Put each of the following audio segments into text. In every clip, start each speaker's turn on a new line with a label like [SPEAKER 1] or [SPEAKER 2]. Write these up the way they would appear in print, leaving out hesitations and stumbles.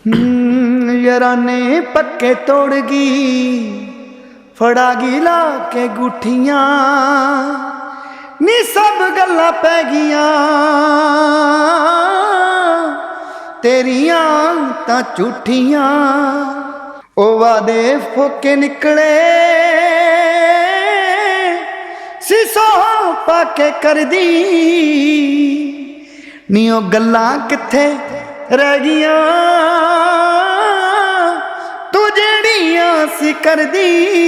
[SPEAKER 1] ਯਾਰਾਨੇ ਪੱਕੇ ਤੋੜ ਗਈ, ਫੜਾ ਗਈ ਲਾ ਕੇ ਗੁੱਠੀਆਂ ਨੀ ਸਭ ਗੱਲਾਂ ਪੈ ਗਈਆਂ ਤੇਰੀਆਂ ਤਾਂ ਝੂਠੀਆਂ। ਉਹ ਵਾਦੇ ਫੋਕੇ ਨਿਕਲੇ ਸੀਸੋ ਪਾ ਕੇ ਕਰਦੀ ਨੀ ਉਹ ਗੱਲਾਂ ਕਿੱਥੇ ਰਹਿ ਗਈਆਂ ਤੂੰ ਜਿਹੜੀਆਂ ਸੀ ਕਰਦੀ।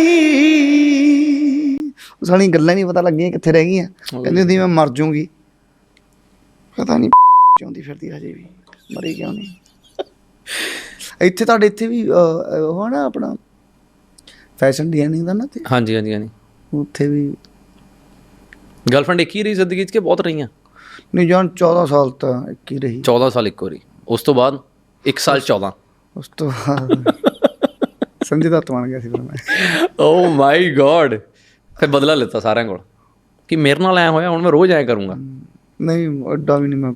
[SPEAKER 1] ਸਾਲੀ ਗੱਲਾਂ ਨਹੀਂ ਪਤਾ ਲੱਗੀਆਂ ਕਿੱਥੇ ਰਹਿ ਗਈਆਂ। ਕਹਿੰਦੀ ਹੁੰਦੀ ਮੈਂ ਮਰ ਜੂੰਗੀ, ਪਤਾ ਨਹੀਂ ਚਾਹੁੰਦੀ ਫਿਰਦੀ ਹਜੇ ਵੀ ਮਰੀ ਕਿਉਂ ਨਹੀਂ। ਇੱਥੇ ਤੁਹਾਡੇ ਇੱਥੇ ਵੀ ਉਹ ਨਾ ਆਪਣਾ ਫੈਸ਼ਨ ਡਿਜ਼ਾਈਨਿੰਗ ਦਾ ਨਾ ਤੇ
[SPEAKER 2] ਹਾਂਜੀ ਹਾਂਜੀ ਹਾਂਜੀ
[SPEAKER 1] ਉੱਥੇ ਵੀ
[SPEAKER 2] ਗਰਲਫ੍ਰੈਂਡ ਇੱਕ ਹੀ ਰਹੀ ਜ਼ਿੰਦਗੀ 'ਚ ਕਿ ਬਹੁਤ ਰਹੀਆਂ?
[SPEAKER 1] ਨਹੀਂ ਜਾਨ 14 ਸਾਲ ਤਾਂ ਇੱਕ ਹੀ ਰਹੀ।
[SPEAKER 2] 14 ਸਾਲ ਇੱਕ ਵਾਰੀ, ਉਸ ਤੋਂ ਬਾਅਦ 1 ਸਾਲ 14।
[SPEAKER 1] ਉਸ ਤੋਂ ਬਾਅਦ ਸੰਜੇ ਦੱਤ ਬਣ ਗਿਆ ਸੀ ਫਿਰ ਮੈਂ।
[SPEAKER 2] ਓ ਮਾਈ ਗॉड, ਫਿਰ ਬਦਲਾ ਲਿੱਤਾ ਸਾਰਿਆਂ ਕੋਲ ਕਿ ਮੇਰੇ ਨਾਲ ਐ ਹੋਇਆ ਹੁਣ ਮੈਂ ਰੋਜ਼ ਐਂ ਕਰੂੰਗਾ।
[SPEAKER 1] ਨਹੀਂ ਐਡਾ ਵੀ ਨਹੀਂ ਮੈਂ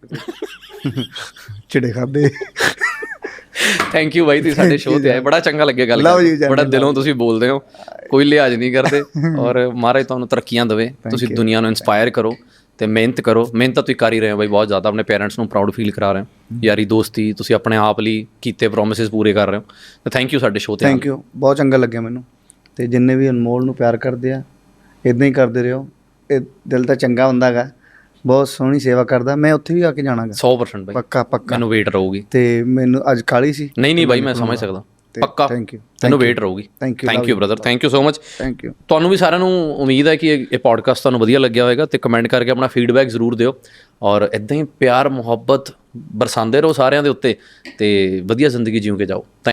[SPEAKER 1] ਚਿੜੇ ਖਾਦੇ।
[SPEAKER 2] ਥੈਂਕ ਯੂ ਬਾਈ, ਤੁਸੀਂ ਸਾਡੇ ਸ਼ੋਅ ਤੇ ਆਏ, ਬੜਾ ਚੰਗਾ ਲੱਗਿਆ ਗੱਲ ਕਰਕੇ, ਬੜਾ ਦਿਲੋਂ ਤੁਸੀਂ ਬੋਲਦੇ ਹੋ, ਕੋਈ ਲਿਹਾਜ਼ ਨਹੀਂ ਕਰਦੇ। ਔਰ ਮਹਾਰਾਜ ਤੁਹਾਨੂੰ ਤਰੱਕੀਆਂ ਦੇਵੇ, ਤੁਸੀਂ ਦੁਨੀਆ ਨੂੰ ਇੰਸਪਾਇਰ ਕਰੋ ਤੇ ਮਿਹਨਤ ਕਰੋ। ਮਿਹਨਤ ਤਾਂ ਤੁਸੀਂ ਕਰ ਹੀ ਰਹੇ ਹੋ ਬਾਈ ਬਹੁਤ ਜ਼ਿਆਦਾ, ਆਪਣੇ ਪੇਰੈਂਟਸ ਨੂੰ ਪ੍ਰਾਊਡ ਫੀਲ ਕਰਾ ਰਹੇ ਹੋ। ਯਾਰੀ ਦੋਸਤੀ ਤੁਸੀਂ ਆਪਣੇ ਆਪ ਲਈ ਕੀਤੇ ਪ੍ਰੋਮਿਸਿਸ ਪੂਰੇ ਕਰ ਰਹੇ ਹੋ, ਤੇ ਥੈਂਕ ਯੂ ਸਾਡੇ ਸ਼ੋਅ ਤੇ।
[SPEAKER 1] ਥੈਂਕ ਯੂ, ਬਹੁਤ ਚੰਗਾ ਲੱਗਿਆ ਮੈਨੂੰ। ਤੇ ਜਿੰਨੇ ਵੀ ਅਨਮੋਲ ਨੂੰ ਪਿਆਰ ਕਰਦੇ ਆ ਇੱਦਾਂ ਹੀ ਕਰਦੇ ਰਹੋ। ਇਹ ਦਿਲ ਤਾਂ ਚੰਗਾ ਹੁੰਦਾ ਹੈਗਾ, ਬਹੁਤ ਸੋਹਣੀ ਸੇਵਾ ਕਰਦਾ। ਮੈਂ ਉੱਥੇ ਵੀ ਆ ਕੇ ਜਾਣਾਗਾ
[SPEAKER 2] 100% ਬਾਈ,
[SPEAKER 1] ਪੱਕਾ ਪੱਕਾ।
[SPEAKER 2] ਮੈਨੂੰ ਵੇਟ ਰਹੂਗੀ।
[SPEAKER 1] ਤੇ ਮੈਨੂੰ ਅੱਜ ਕਾਹਲੀ ਸੀ।
[SPEAKER 2] ਨਹੀਂ ਬਾਈ ਮੈਂ ਸਮਝ ਸਕਦਾ, ਪੱਕਾ
[SPEAKER 1] ਥੈਂਕ ਯੂ।
[SPEAKER 2] ਮੈਨੂੰ ਵੇਟ ਰਹੂਗੀ। Thank you brother, thank you so much.
[SPEAKER 1] Thank you.
[SPEAKER 2] ਤੁਹਾਨੂੰ ਵੀ ਸਾਰਿਆਂ ਨੂੰ ਉਮੀਦ ਹੈ ਕਿ ਇਹ ਪੋਡਕਾਸਟ ਤੁਹਾਨੂੰ ਵਧੀਆ ਲੱਗਿਆ ਹੋਵੇਗਾ, ਤੇ ਕਮੈਂਟ ਕਰਕੇ ਆਪਣਾ ਫੀਡਬੈਕ ਜ਼ਰੂਰ ਦਿਓ, ਔਰ ਇੱਦਾਂ ਹੀ ਪਿਆਰ ਮੁਹੱਬਤ ਬਰਸਾਉਂਦੇ ਰਹੋ ਸਾਰਿਆਂ ਦੇ ਉੱਤੇ, ਤੇ ਵਧੀਆ ਜ਼ਿੰਦਗੀ ਜਿਉਂ ਕੇ ਜਾਓ।